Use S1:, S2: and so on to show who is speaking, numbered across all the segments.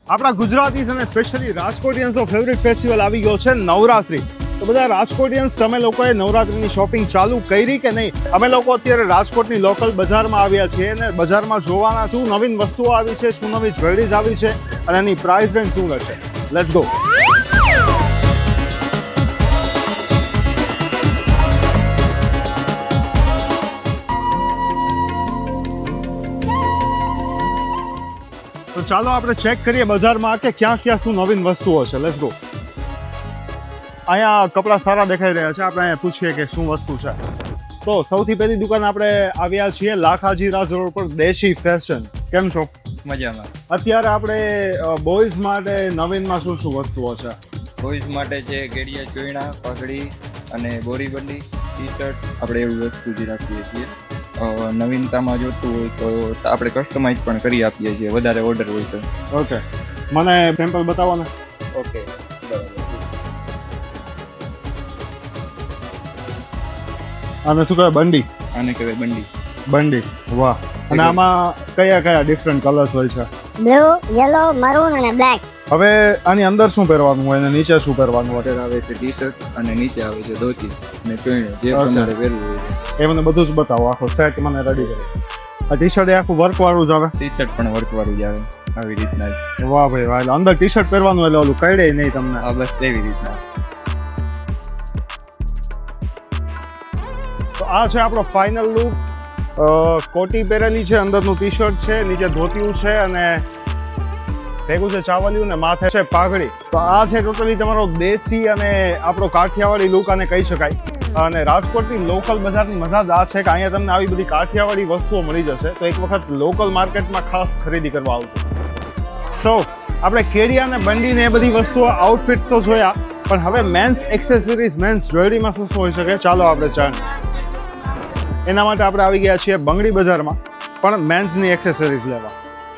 S1: આપણા ગુજરાતીઝ અને specially રાજકોટિયન્સનો favourite festival આવી ગયો છે નવરાત્રી. તો બધા રાજકોટિયન્સ, તમે લોકોએ નવરાત્રીની શોપિંગ ચાલુ કરી કે નહીં? અમે લોકો અત્યારે રાજકોટની લોકલ બજારમાં આવ્યા છીએ અને બજારમાં જોવાના શું નવીન વસ્તુઓ આવી છે, શું નવી જ્વેલરીઝ આવી છે અને એની પ્રાઇસ રેન્જ શું રહેશે. Let's go. તો ચાલો આપણે ચેક કરીએ બજારમાં કે ક્યાં ક્યાં શું નવીન વસ્તુઓ છે. Let's go. અહીંયા કપડાં સારા દેખાઈ રહ્યા છે, આપણે અહીંયા પૂછીએ કે શું વસ્તુ છે. તો સૌથી પહેલી દુકાન આપણે આવ્યા છીએ લાખાજી રાજ રોડ પર, દેશી ફેશન. કેમ છો?
S2: મજામાં.
S1: અત્યારે આપણે બોયઝ માટે નવીનમાં શું શું વસ્તુઓ છે?
S2: બોયઝ માટે છે ગેડિયા ચોયણા, પાઘડી અને બોરીબંડી, ટી શર્ટ, આપણે એવી વસ્તુ જ રાખીએ છીએ. નવીનતામાં જોતું હોય તો આપણે કસ્ટમાઇઝ પણ કરી આપીએ છીએ, વધારે ઓર્ડર હોય તો.
S1: ઓકે, મને સેમ્પલ બતાવો ને.
S2: ઓકે, બરાબર.
S1: અને શું કહેવાય? બંડી.
S2: આને કહેવાય બંડી.
S1: બંડી, વાહ. અને આમાં કયા કયા ડિફરન્ટ કલર્સ હોય છે?
S3: બ્લુ, યલો, મરૂન અને બ્લેક.
S1: હવે આની અંદર શું પહેરવાનું હોય અને નીચે શું પહેરવાનું હોય?
S2: અત્યારે આવે છે ટી શર્ટ અને નીચે આવે છે ધોતી અને ચોયણું, જે તમારે પહેરવું હોય.
S1: એ મને બધું જ બતાવો, આખો સેટ મને રેડી કરો. આ ટી શર્ટ એ આખું વર્ક વાળું જ આવે?
S2: ટી શર્ટ પણ વર્ક વાળું જ આવે, આવી રીતના જ.
S1: વાહ ભાઈ વાહ. એટલે અંદર ટી શર્ટ પહેરવાનું એટલે ઓલું કઈડે નહીં તમને?
S2: હા, બસ એવી રીતના.
S1: તો આ છે આપણો ફાઇનલ લુક. કોટી પહેરેલી છે, અંદરનું ટી શર્ટ છે, નીચે ધોતિયું છે અને ભેગું છે ચાવલિયું ને માથે છે પાઘડી. તો આ છે ટોટલી તમારો દેશી અને આપણો કાઠિયાવાડી લુક આને કહી શકાય. અને રાજકોટની લોકલ બજારની મજા જ આ છે કે અહીંયા તમને આવી બધી કાઠિયાવાડી વસ્તુઓ મળી જશે. તો એક વખત લોકલ માર્કેટમાં ખાસ ખરીદી કરવા આવજો. સો આપણે કેડિયા અને બંડી ને એ બધી વસ્તુઓ, આઉટફિટ્સ તો જોયા, પણ હવે મેન્સ એક્સેસરીઝ, મેન્સ જ્વેલરીમાં શું શું હોઈ શકે ચાલો આપણે જાણીએ. એના માટે આપણે આવી ગયા છીએ બંગડી બજારમાં, પણ મેન્સની એક્સેસરીઝ લેવા.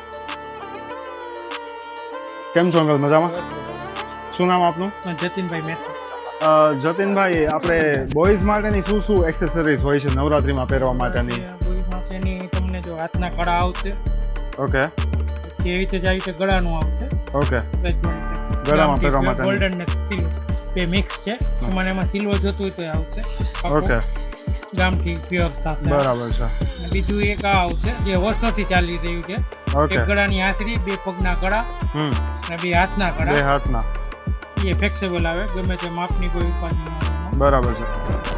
S1: કેમ છો અંકલ? મજામાં? શું નામ આપનું?
S4: જતીનભાઈ મહેતા.
S1: જતીનભાઈ, આપણે બોયઝ માટેની શું શું એક્સેસરીઝ હોય છે નવરાત્રીમાં પહેરવા માટેની?
S4: બોયઝ માટેની તમને જો હાથના કડા આવશે,
S1: ઓકે,
S4: એવી રીતે જ આવી રીતે ગળાનું આવશે.
S1: ઓકે, ગળામાં પહેરવા માટે
S4: ગોલ્ડન ને સિલ્વર બે મિક્સ છે. તમારે એમાં સિલ્વર જોતું હોય તો આવશે.
S1: ઓકે,
S4: ગામઠી પ્યોર સાથે.
S1: બરાબર છે.
S4: અને બીજું એક આ આવશે જે વર્ષોથી ચાલી રહ્યું છે.
S1: ઓકે,
S4: એક ગળાની આશરી, બે પગના કડા અને બે હાથના
S1: બે
S4: કડા.
S1: હાથના.
S4: એ ફ્લેક્સિબલ આવે, ગમે તે માપની કોઈ ઉપાધિ ન આવે.
S1: બરાબર છે.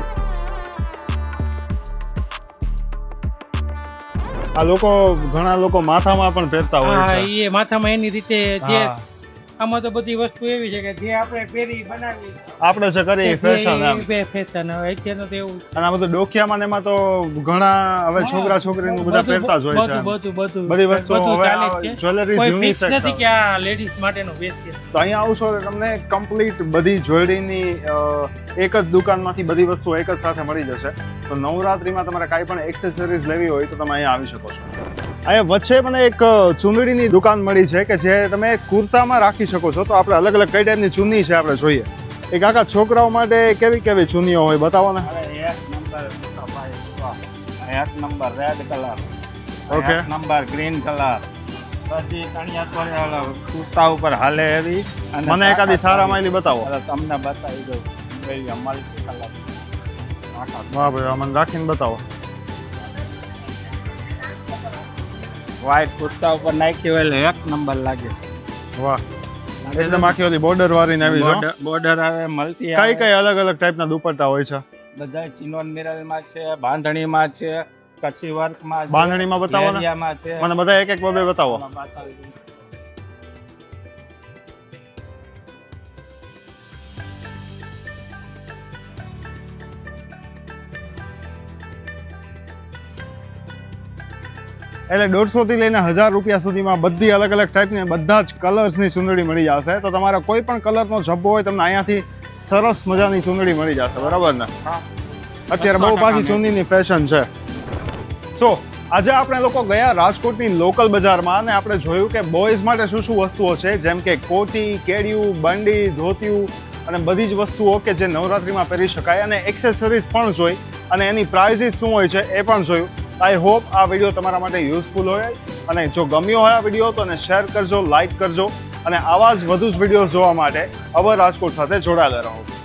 S1: આ લોકો, ઘણા લોકો માથામાં પણ પહેરતા હોય
S4: હા,
S1: છે.
S4: એ માથામાં એની રીતે જે
S1: હા.
S4: આમાં તો બધી વસ્તુ એવી છે કે જે આપણે પહેરી બનાવી
S1: આપણે છે કરીએ ફેશન એમ.
S4: ફેશન હવે અત્યારનું તો એવું
S1: અને આ બધું ડોકિયામાં ને એમાં તો ઘણા હવે છોકરા છોકરીનું બધા પહેરતા જ હોય છે.
S4: બધું
S1: બધી વસ્તુઓ હવે
S4: ચાલે જ છે.
S1: જ્વેલરી
S4: કોઈ
S1: યુનિસેક્સ
S4: fix નથી કે આ લેડીઝ માટેનું વેચ છે.
S1: તો અહીંયા આવશો તો તમને કમ્પ્લીટ બધી જ્વેલરીની એક જ દુકાનમાંથી બધી વસ્તુ એક જ સાથે મળી જશે. તો નવરાત્રીમાં તમારે કાંઈ પણ એક્સેસરીઝ લેવી હોય તો તમે અહીંયા આવી શકો છો. અહીંયા વચ્ચે મને એક ચુંદડીની દુકાન મળી છે કે જે તમે કુર્તામાં રાખી શકો છો. તો આપણે અલગ અલગ કઈ ટાઈપની ચુન્ની છે આપણે જોઈએ. એક આખા છોકરાઓ માટે કેવી કેવી ચુન્નીઓ હોય બતાવો ને.
S5: એક નંબર રેડ કલર,
S1: ઓકે,
S5: એક નંબર ગ્રીન કલર, બધી તણિયા કુર્તા ઉપર હાલે એવી. અને
S1: મને એકાદી સારા માયલી બતાવો.
S5: અરે તમને બતાવી દઉં. એવી મલ્ટી કલર.
S1: વાહ ભાઈ, આ મને રાખીને બતાવો.
S5: વ્હાઈટ કુર્તા ઉપર નાખી હોય એટલે એક નંબર લાગે.
S1: વાહ, એકદમ આખી ઓલી બોર્ડર વાળી ને આવી છે.
S5: બોર્ડર આવે, મલ્ટી
S1: કઈ કઈ અલગ અલગ ટાઈપના દુપટ્ટા હોય છે?
S5: બધા ચિનોન મિરરમાં છે, બાંધણીમાં છે, કચ્છી વર્કમાં છે,
S1: બાંધણીમાં બતાવો ને.
S5: લેરિયામાં છે.
S1: મને બધા એક એક બબે બતાવો.
S5: બતાવી દઉં.
S1: એટલે 150 થી લઈને 1000 રૂપિયા સુધીમાં બધી અલગ અલગ ટાઈપની બધા જ કલર્સની ચૂંદડી મળી જશે. તો તમારા કોઈ પણ કલરનો જબ્બો હોય તમને અહીંયાથી સરસ મજાની ચૂંદડી મળી જશે, બરાબર ને?
S5: હા.
S1: અત્યારે બહુ પાછી ચૂંદડીની ફેશન છે. સો આજે આપણે લોકો ગયા રાજકોટની લોકલ બજારમાં અને આપણે જોયું કે બોયઝ માટે શું શું વસ્તુઓ છે, જેમ કે કોટી, કેડિયું, બંડી, ધોતિયું અને બધી જ વસ્તુઓ કે જે નવરાત્રીમાં પહેરી શકાય. અને એક્સેસરીઝ પણ જોઈ અને એની પ્રાઇઝીસ શું હોય છે એ પણ જોયું. આઈ હોપ આ વિડીયો તમારા માટે યુઝફુલ હોય અને જો ગમ્યો હોય આ વિડીયો તો એને શેર કરજો, લાઇક કરજો અને આવા જ વધુ જ વિડીયો જોવા માટે અવર રાજકોટ સાથે જોડાયેલા રહો.